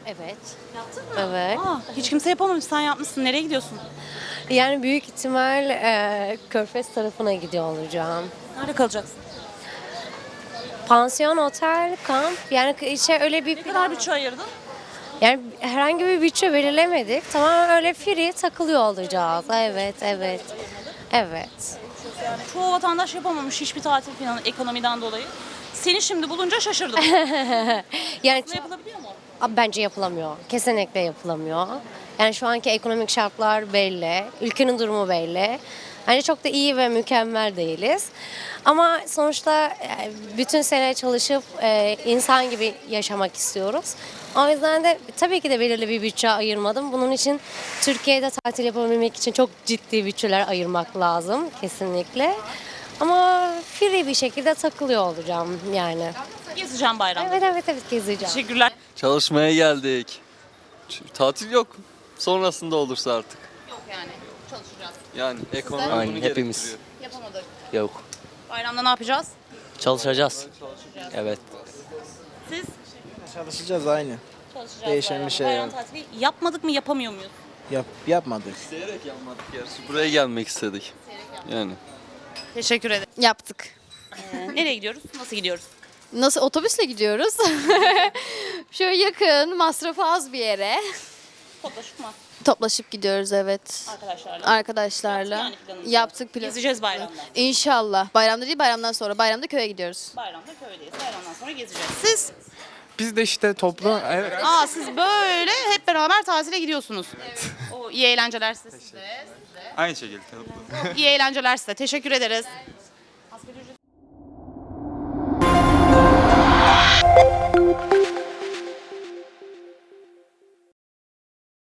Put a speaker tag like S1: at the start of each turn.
S1: Evet.
S2: Yaptın mı?
S1: Evet.
S2: Hiç kimse yapamamış. Sen yapmışsın. Nereye gidiyorsun?
S1: Yani büyük ihtimal Körfez tarafına gidiyor olacağım.
S2: Nerede kalacaksın?
S1: Pansiyon, otel, kamp yani öyle bir
S2: Ne kadar bütçe ayırdın?
S1: yani herhangi bir bütçe belirlemedik. Tamamen öyle free takılıyor olacağız. Evet, evet. Evet.
S2: Yani çoğu vatandaş yapamamış hiçbir tatil planı ekonomiden dolayı. Seni şimdi bulunca şaşırdım.
S1: Yani
S2: Ne yapılabiliyor mu?
S1: bence yapılamıyor. Kesinlikle yapılamıyor. Yani şu anki ekonomik şartlar belli. Ülkenin durumu belli. Bence çok da iyi ve mükemmel değiliz. Ama sonuçta bütün sene çalışıp insan gibi yaşamak istiyoruz. O yüzden de tabii ki de belirli bir bütçe ayırmadım. Bunun için Türkiye'de tatil yapabilmek için çok ciddi bütçeler ayırmak lazım kesinlikle. Ama free bir şekilde takılıyor olacağım yani.
S2: Gezeceğim bayramda.
S1: Evet gezeceğim.
S2: Teşekkürler.
S3: Çalışmaya geldik. Tatil yok. Sonrasında olursa artık.
S2: Yok yani. Çalışacağız.
S3: Yani ekonomi
S4: Aynen,
S3: bunu
S4: hepimiz.
S3: gerektiriyor.
S2: Yapamadık.
S4: Yok.
S2: Bayramda ne yapacağız?
S4: Çalışacağız. Evet.
S2: Siz?
S5: Çalışacağız aynı.
S2: Çalışacağız
S5: Değişen
S2: bayramda.
S5: bir şey
S2: Bayram
S5: yok.
S2: tatili yapmadık mı yapamıyor muyuz?
S5: Yapmadık.
S3: İsteyerek yapmadık gerçi. Buraya gelmek istedik. Yani.
S2: Teşekkür ederim.
S6: Yaptık.
S2: Nereye gidiyoruz? Nasıl gidiyoruz?
S6: Nasıl otobüsle gidiyoruz? Şöyle yakın, masrafı az bir yere.
S2: Toplaşıp mı?
S6: Toplaşıp gidiyoruz evet.
S2: Arkadaşlarla.
S6: Arkadaşlarla.
S2: Yaptık yani planımızı.
S6: Yaptık planı.
S2: Gezeceğiz bayramda.
S6: İnşallah. Bayramda değil bayramdan sonra. Bayramda köye gidiyoruz.
S2: Bayramda köydeyiz. Bayramdan sonra gezeceğiz. Siz?
S7: Biz de işte toplu, evet.
S2: Siz böyle hep beraber tatile gidiyorsunuz. O iyi eğlenceler size.
S7: Aynı şekilde.
S2: İyi eğlenceler size. Teşekkür ederiz. Asgari ücret